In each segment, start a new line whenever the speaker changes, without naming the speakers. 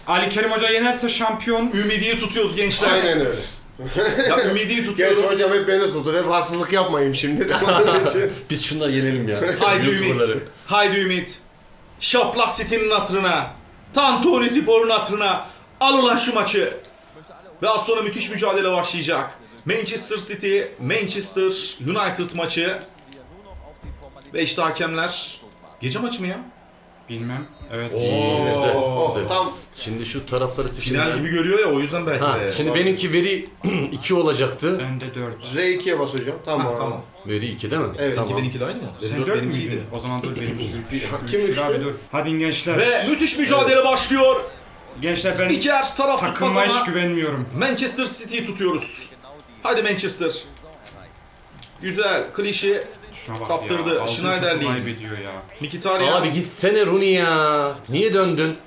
Ali Kerim Hoca yenerse şampiyon.
Ümidiyi tutuyoruz gençler.
Aynen öyle.
Ya ümidiyi tutuyorum.
Gerçi hocam hep beni tuttu. Hep haksızlık yapmayayım şimdi de.
Biz şunları yenelim ya.
Haydi
YouTuber'ları.
Ümit. Haydi Ümit. Şaplak City'nin hatırına. Tantuni Spor'un hatırına. Al ulan şu maçı. Ve az sonra müthiş mücadele başlayacak. Manchester City, Manchester United maçı. Ve işte hakemler. Gece maçı mı ya?
Bilmem. Evet.
Oo,
Oo.
güzel.
Tam
Şimdi şu tarafları seçelim.
Final gibi görüyor ya, o yüzden belki
Ha,
de.
şimdi benimki veri 2 olacaktı.
Ben de 4.
R2'ye bas hocam. Tamam.
Tamam.
Veri 2 değil mi?
Evet,
Tamam.
Benimki de aynı mı?
Sen
Dört
4
benimkiydi.
müydün? O zaman dur benim.
Kim üçtü?
Abi dur. Hadi gençler.
Ve müthiş mücadele başlıyor.
Gençler ben
Spiker taraf
takıma hiç
tutmaz ama
güvenmiyorum.
Manchester City'yi tutuyoruz. Hadi Manchester. Güzel. Klişe.
Şuna bak
Kaptırdı.
ya. Aldığı
Schneiderlin.
topu kaybediyor ya.
Mkhitaryan.
Abi gitsene Rooney ya. Niye döndün?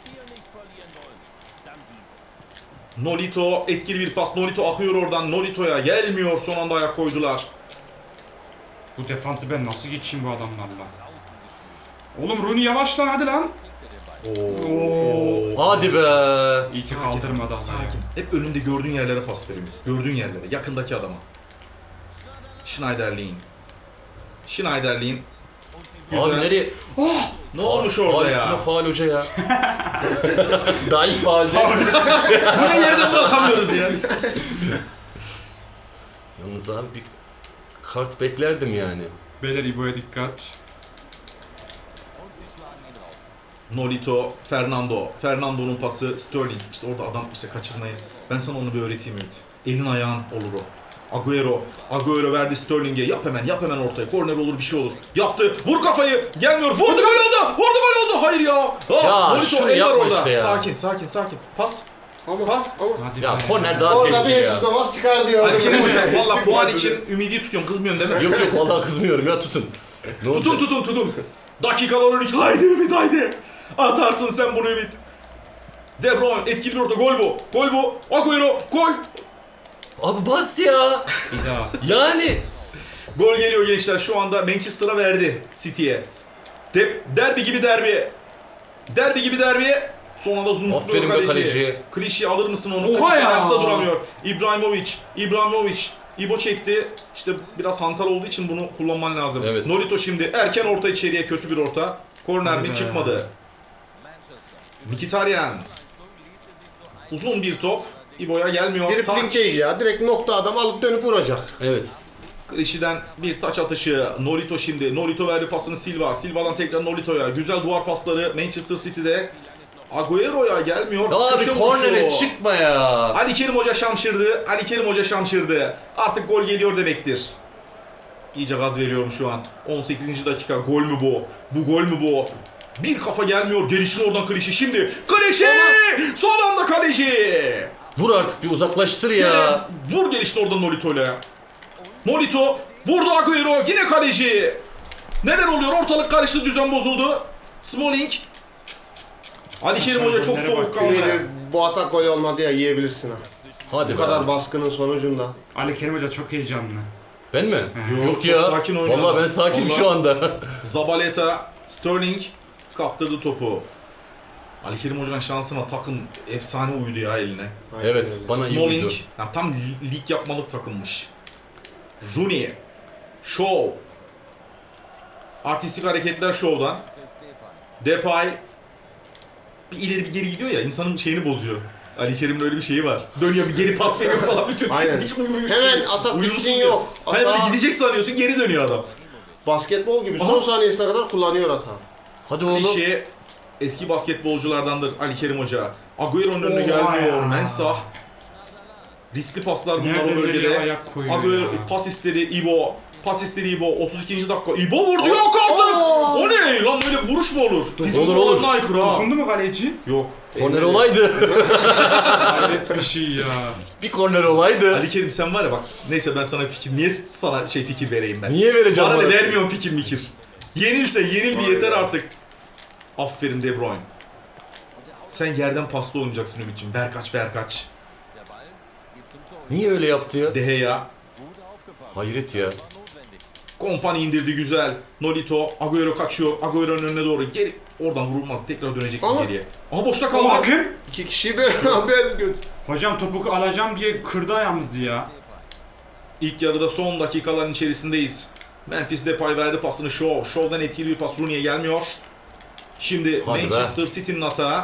Nolito etkili bir pas. Nolito akıyor oradan. Nolito'ya gelmiyor. Son anda ayak koydular.
Bu defansı ben nasıl geçeyim bu adamlarla? Oğlum Rooney yavaş lan hadi lan. Oo.
Hadi be.
İyi ki kaldırmadı ama
Sakin.
ya.
Hep önünde gördüğün yerlere pas ver Ümit. Gördüğün yerlere. Yakındaki adama. Schneiderlin. Schneiderlin. Güzel.
Abi nereye?
Ne olmuş orada
Faal
ya?
üstüne faal hoca ya. Daha ilk faalde.
Bu ne, yerden bırakamıyoruz ya.
Yalnız abi bir kart beklerdim yani.
Beyler İbo'ya dikkat.
Nolito, Fernando. Fernando'nun pası Sterling. İşte orada adam işte kaçırmayı. Ben sana onu bir öğreteyim Ümit. Elin ayağın olur o. Agüero verdi Sterling'e. Yap hemen ortaya. Korner olur, bir şey olur. Yaptı. Vur kafayı. Gelmiyor. Vurdu, gol oldu. Hayır ya.
Ya
Nolito,
şunu
eller
yapma
orada.
işte ya.
Sakin. Pas.
ama
Pas.
ama
Hadi
Ya
be.
korner daha
orada bir
tehlikeli ya.
Jesus Navas çıkar diyor.
Ali Kerim Hocam valla
Çıkmadı.
puan için ümidi tutuyorsun. Kızmıyorsun değil mi?
Yok vallahi kızmıyorum ya tutun. Ne olacak?
Tutun. Dakikalar 13. Haydi Ümit haydi. Atarsın sen bunu Ümit. De Bruyne etkili bir orta. Gol bu. Agüero. Gol.
Abi bas ya.
Bir daha.
Yani.
Gol geliyor gençler. Şu anda Manchester'a verdi City'ye. Derbi gibi derbi. Son anda
Aferin
zumzukluyor
be
kaleci.
kaleci.
Klişe alır mısın onu?
Oha
Kaleci
ya.
ayakta duramıyor. İbrahimovic. İbo çekti. İşte biraz hantal olduğu için bunu kullanman lazım.
Evet.
Nolito şimdi erken orta içeriye, kötü bir orta. Korner mi?
Hadi be.
Çıkmadı. Mkhitaryan. Uzun bir top. İbo'ya gelmiyor.
Dripling
Taç.
değil ya. Direkt nokta adam alıp dönüp vuracak.
Evet.
Klişiden bir taç atışı. Nolito şimdi. Nolito verdi pasını Silva. Silva'dan tekrar Nolito'ya. Güzel duvar pasları Manchester City'de. Agüero'ya gelmiyor.
Abi
Köşe
kornere
vuruşu.
çıkma ya.
Ali Kerim Hoca şamşırdı. Artık gol geliyor demektir. İyice gaz veriyorum şu an. 18. dakika. Gol mü bu? Bu gol mü bu? Bir kafa gelmiyor. Gelişin oradan Klişe. Şimdi Klişe! Son anda kaleci!
Vur artık bir uzaklaştır ya.
Yine vur gelişin oradan Nolito'yla. Nolito vurdu Agüero. Yine kaleci. Neler oluyor? Ortalık karıştı. Düzen bozuldu. Smalling. Ali Kerim Hoca çok
Gollere bak.
soğukkanlı.
Ümidi bu atak gol olmadı ya, yiyebilirsin ha.
Hadi
Bu
be.
kadar baskının sonucunda.
Ali Kerim Hoca çok heyecanlı.
Ben mi?
Yok,
Yok
çok
ya.
sakin oynuyor
Vallahi
adam.
ben sakinim
Vallahi.
şu anda.
Zabaleta, Sterling kaptırdı topu. Ali Kerim Hoca'nın şansına takım efsane uydu ya eline.
Aynen
Evet,
öyle.
bana iyi
Smalling,
uydu.
ya tam lig yapmalık takılmış. Rooney, Shaw. Artistik hareketler Shaw'dan. Depay. Bir ileri bir geri gidiyor ya, insanın şeyini bozuyor. Ali Kerim'in öyle bir şeyi var. Dönüyor bir geri pas veriyor falan bütün.
Aynen.
Hiç
Hemen atak
uyumsuz
bitsin
ya.
yok.
Hayır böyle
Hata
gidecek sanıyorsun, geri dönüyor adam.
basketbol gibi
Aha.
son saniyesine kadar kullanıyor hata.
Hadi oğlum.
Klişe eski basketbolculardandır Ali Kerim Hoca. Agüero'nun önüne
Oha
gelmiyor.
ya.
Mensah. Riskli paslar bunlar
Nereden
o
nereye
bölgede.
ayak koyuyor
Agüero
ya.
pas istedi İbo. 32. dakika. İbo vurdu, yok artık. O ne lan, böyle vuruş mu olur? Fizik
Olur.
kurallarına aykırı ha.
Dokundu mu kaleci?
Yok.
Korner olaydı.
Hayret bir şey ya.
Bir korner olaydı.
Ali Kerim sen var ya bak. Neyse ben sana niye sana fikir vereyim ben?
Niye vereceğim
Bana
bana?
ne vermiyorum fikir. Yenilse yenil bir yeter artık. Aferin De Bruyne. Sen yerden paslı oynayacaksın Ümit'ciğim. Verkaç.
Niye öyle yaptı ya?
De Gea.
Hayret ya.
Kompany indirdi güzel. Nolito, Agüero kaçıyor. Agüero'nun önüne doğru. Geri oradan vurulmaz. Tekrar dönecek
Ama-
geriye. Aha boşta
O
kaldı.
hakem.
2 kişiyi beraber götür.
Hocam topu alacağım diye kırdı ayağımızı ya.
İlk yarıda son dakikaların içerisindeyiz. Memphis Depay verdi pasını Shaw. Shaw'dan etkili bir pas Rooney'e gelmiyor. Şimdi
Hadi be.
Manchester City'nin atağı.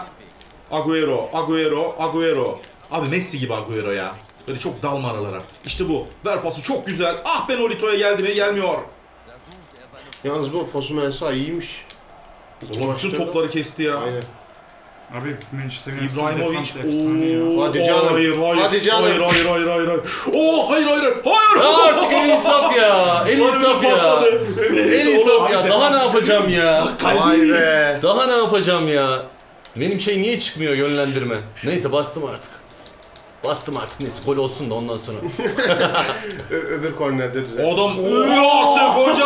Agüero. Abi Messi gibi Agüero ya. Böyle çok dalma aralara. İşte bu. Ver pası çok güzel. Ah be Nolito'ya geldi mi? Gelmiyor.
Yalnız bu Fosu Mensah iyiymiş. İki
Ulan bütün
maçta da-
topları kesti ya.
Aynen.
Abi Manchester United'ın
İbrahimovic.
defans efsane ya.
Hadi canım.
Hayır.
Hadi canım.
Hayır. Oo hayır.
Ya artık el insaf ya. El insaf ya. El insaf ya. Daha ne yapacağım ya?
Vay be.
Daha ne yapacağım ya? Benim şey niye çıkmıyor yönlendirme? Neyse bastım artık. Neyse gol olsun da ondan sonra.
Öbür kornerde düzen.
Adam artık hoca.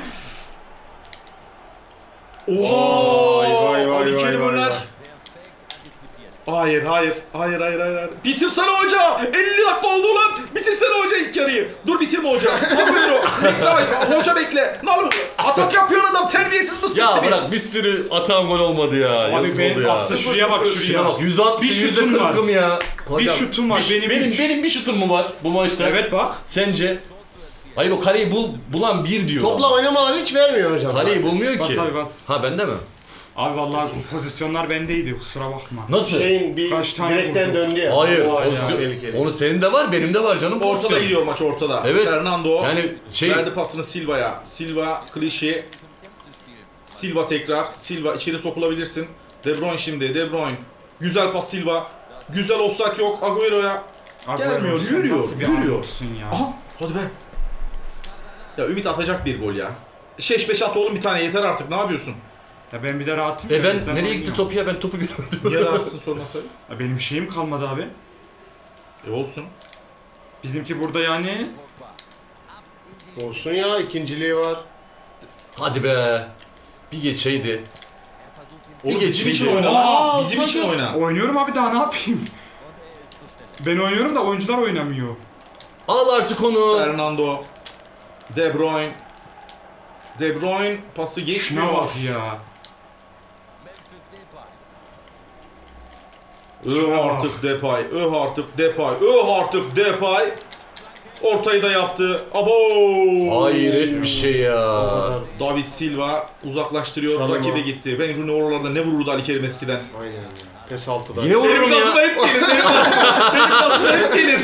Oha!
Vay.
Ali Kerim Öner. Hayır. Bitirsene hoca. 50 dakika oldu ulan. Bitirsene hoca ilk yarıyı. Dur bitirme hoca. Agüero. Bekle hoca bekle. Ne olur? Atak yapıyor adam. Terbiyesiz mısın?
Ya bırak bir sürü atan gol olmadı ya.
Abi
Yazık
benim
oldu ya.
pası şuraya bak
Şuna
şuraya.
bak 160
Bir şutum var.
%40'ım ya.
Bir
Hocam,
şutum var benim üç.
Benim bir şutum mu var bu maçta?
Evet bak.
Sence? Hayır o kaleyi bulan bir diyor.
Topla oynamaları hiç vermiyor hocam.
Kaleyi bulmuyor
Bas
ki.
abi bas.
Ha bende mi?
Abi vallahi pozisyonlar bendeydi kusura bakma.
Nasıl?
Şeyin bir
Kaç tane
direkten
vurdu?
döndü ya.
Hayır.
O
pozisyon-
tehlikeli.
Onu senin de var, benim de var canım.
Ortada
pozisyon.
gidiyor maç ortada.
Evet.
Fernando
Yani şey
verdi pasını Silva'ya. Silva klişe. Silva tekrar. Silva içeri sokulabilirsin. De Bruyne şimdi. De Bruyne. Güzel pas Silva. Güzel olsak yok. Agüero'ya.
Abi
Gelmiyor,
sen
yürüyor,
nasıl bir
yürüyor.
adamsın ya.
Aha hadi be. Ya Ümit atacak bir gol ya. 5 at oğlum bir tane yeter artık ne yapıyorsun?
Ya ben bir de rahatım. ya,
ben
bizden
nereye
oynuyor.
gitti topu ya, ben topu göremedim.
Niye rahatsın sorması?
Ya benim şeyim kalmadı abi.
Olsun.
Bizimki burada yani.
Olsun ya, ikinciliği var.
Hadi be. Bir geçeydi.
Oğlum
Bir
bizim için
geçmeyecek.
oyna.
Aa,
Bizim için
sakın.
oyna.
Oynuyorum abi daha ne yapayım? Ben oynuyorum da oyuncular oynamıyor.
Al artık onu.
Fernando. De Bruyne. De Bruyne pası geçmiyor.
Şuna bak ya.
Artık Depay. Artık Depay. Ortayı da yaptı. Abo.
Hayret bir şey ya.
O kadar.
David Silva uzaklaştırıyor.
Çalım
Rakibe
o.
gitti. Wayne Rooney oralarda ne vururdu Ali Kerim eskiden.
Aynen ya. Pes 6'da.
Yine vururum
Benim gazıma
ya.
hep gelir. Benim gazıma hep gelir.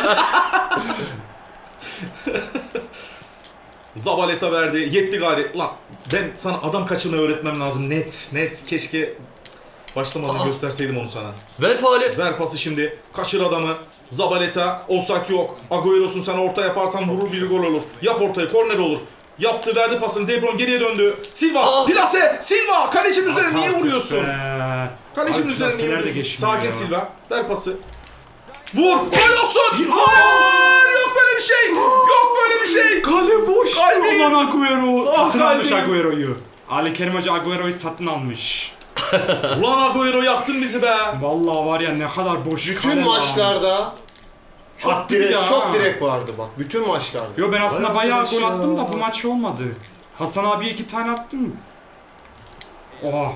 Zabaleta verdi. Yetti gari. Lan ben sana adam kaçırmayı öğretmem lazım. Net. Keşke başlamadan gösterseydim onu sana.
Ver faali.
Ver pası şimdi. Kaçır adamı. Zabaleta. Olsak yok. Agüero'sun sen orta yaparsan vurur bir gol olur. Yap ortayı. Korner olur. Yaptı verdi pasını. De Bruyne geriye döndü. Silva.
Ah!
Plase. Silva. Kalecinin üzerine
At
niye
artık
vuruyorsun?
be.
Kalecinin
Abi
üzerine niye
plaseler de
vuruyorsun?
geçmiyor
Sakin
ya.
Silva. Ver pası. Vur. Gol olsun. Hayır. Yok böyle bir şey. Yok böyle bir şey.
Kale boş.
Kalbim.
Ulan Agüero.
Ah,
Satın almış
kalbim.
Agüero'yu. Ali Kerim Hoca Agüero'yu satın almış.
Ulan Agüero yaktın bizi be.
Vallahi var ya ne kadar boş kale
Bütün
lan.
maçlarda çok
Attı
direk,
ya.
çok direk vardı bak. Bütün maçlarda.
Yo ben aslında
Vay
bayağı
arkadaş
gol
ya.
attım da bu maç olmadı. Hasan abi 2 tane attım. Oha.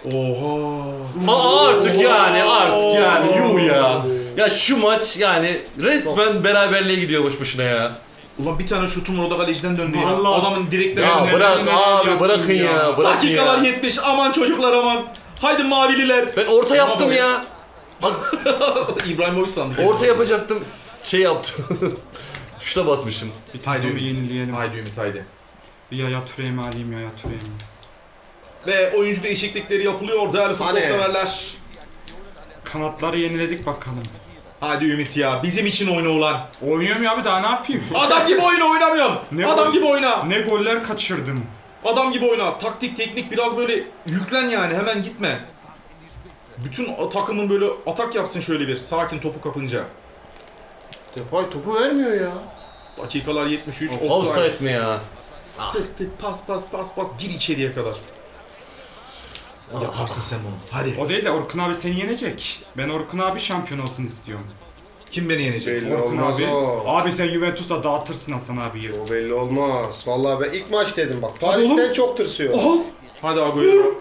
Oha.
Artık yani yuh ya. Ya şu maç yani resmen beraberliğe gidiyor boş boşuna ya.
Ulan bir tane şutum orada kaleciden döndü ya.
Vallahi.
Adamın direkleri
Ya
önüne.
bırak
neler
abi
yaptın
bırakın
ya.
ya. Bırakın
Dakikalar
ya.
70. Aman çocuklar aman. Haydi mavililer.
Ben orta yaptım
Ama
ya.
İbrahimovic sandık.
Orta yapacaktım. Şey yaptım. Şuna basmışım.
Bir
Haydi
tane bir
Ümit.
yenileyelim.
Haydi Ümit haydi.
Bir Yaya Touré'mi alayım Yaya Touré'mi.
Ve oyuncu değişiklikleri yapılıyor değerli futbol
Sane.
severler.
Kanatları yeniledik bakalım.
Hadi Ümit ya. Bizim için oyna ulan.
Oynuyorum ya abi daha ne yapayım?
Adam gibi oyna oynamıyorsun.
Ne
Adam
oy-
gibi oyna.
Ne goller kaçırdım.
Adam gibi oyna. Taktik, teknik biraz böyle yüklen yani. Hemen gitme. Bütün takımın böyle atak yapsın şöyle bir. Sakin topu kapınca.
Depay topu vermiyor ya.
Dakikalar 73.
Offside mi ya?
Tık tık pas. Gir içeriye kadar. Yaparsın sen bunu. Hadi.
O değil de Orkun abi seni yenecek. Ben Orkun abi şampiyon olsun istiyorum.
Kim beni yenecek?
Belli
Orkun
olmaz
abi.
o.
Abi sen Juventus'la dağıtırsın Hasan abiyi.
O belli olmaz. Vallahi ben ilk maç dedim bak.
oğlum.
Paris'ten çok tırsıyor.
Oha!
Hadi Agüero.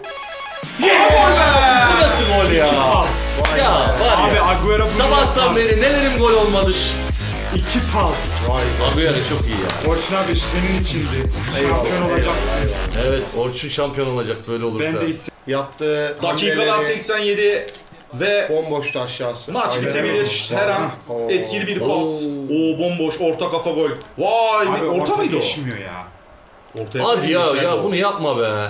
Bu nasıl gol ya?
Pas.
Ya var
Abi
ya.
Agüero bunu
Sabahtan
yapar.
beri nelerim gol olmadı.
2 pas.
Vay be.
Agüero çok iyi ya.
Orçun abi senin içindi.
Eyvallah,
Şampiyon olacaksın.
eyvallah.
Evet, Orçun şampiyon olacak böyle olursa.
Ben de istedim.
Yaptığı
Dakikalar
hamleleri
87 ve
bomboştu aşağısı.
maç
Aynen
bitebilir
öyle.
her an.
Oo.
Etkili bir pas.
Oo.
Oo bomboş orta kafa gol. Vay
Abi
be, orta mıydı o?
geçmiyor ya.
Ortaya
Hadi ya
geçer
ya
o.
bunu yapma be.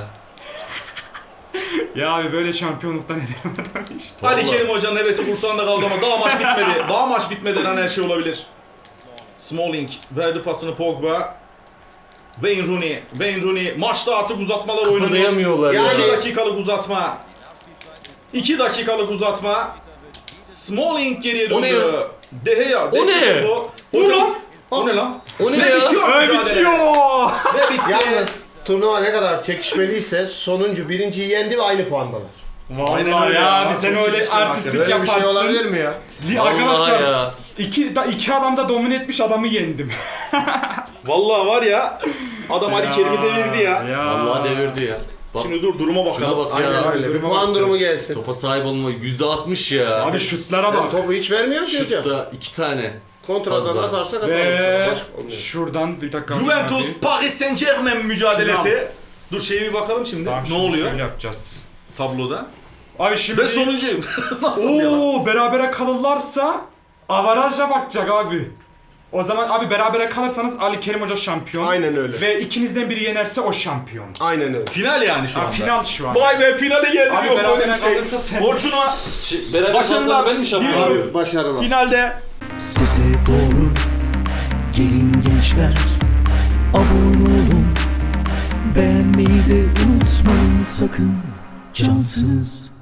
Ya abi böyle şampiyonluktan ederim adam işte.
Ali
Vallahi.
Kerim Hoca'nın hevesi kursağında kaldı ama daha maç bitmedi. Daha maç bitmeden her şey olabilir. Smalling verdi pasını Pogba. Wayne Rooney. Wayne Rooney. Maçta artık uzatmalar oynanıyor.
Kıpırdayamıyorlar ya.
Yani-
2 dakikalık uzatma. 2 dakikalık uzatma. Smalling geriye
O ne
döndü.
ya?
De Gea.
O ne?
Hocam. O ne lan?
O ne
Ve
ya?
bitiyor
Öyle
mücadele.
bitiyor.
Ve bitti.
Yalnız turnuva ne kadar çekişmeliyse sonuncu birinciyi yendi ve aynı puandalar.
Vallahi
Aynen öyle
ya
ya.
abi sen
Çok
öyle
çekişmeli
artistlik
Böyle bir şey
yaparsın.
olabilir mi ya?
Arkadaşlar
Vallahi ya.
iki adam da domine etmiş adamı yendim.
Vallahi var ya. Adam Ali Kerim'i devirdi ya.
Vallahi devirdi ya. Bak
Şimdi dur duruma bakalım.
şuna bak
Aynen
ya.
öyle. Bir
duruma
puan
bakacağız.
durumu gelsin.
Topa sahip olma %60 ya.
Abi şutlara
Ya
bak.
topu hiç vermiyor ki hocam.
Şutta 2 tane.
Kontradan
Fazla.
atarsak atalım.
Ve
Başka olmuyor.
şuradan bir dakika.
Juventus
abi.
Paris Saint Germain mücadelesi.
Final.
Dur şeye bir bakalım şimdi.
Tamam,
Ne
şimdi
oluyor
Şöyle yapacağız.
tabloda?
Abi şimdi
Ben sonuncuyum. Nasıl ya?
Oo berabere kalırlarsa avaraja bakacak abi. O zaman abi berabere kalırsanız Ali Kerim Hoca şampiyon.
Aynen öyle.
Ve ikinizden biri yenerse o şampiyon.
Aynen öyle.
Final yani şu
Ha,
anda.
final şu an.
Vay be finale geldim
Abi
yok böyle
berabere
bir şey.
kalırsa sen-
Orçun'a
Beraber
Başarılar
kaldılar, ben mi şampiyon?
diliyorum.
Abi başarılar.
Finalde
Sese doğru gelin gençler, abone olun, beğenmeyi de unutmayın sakın, cansız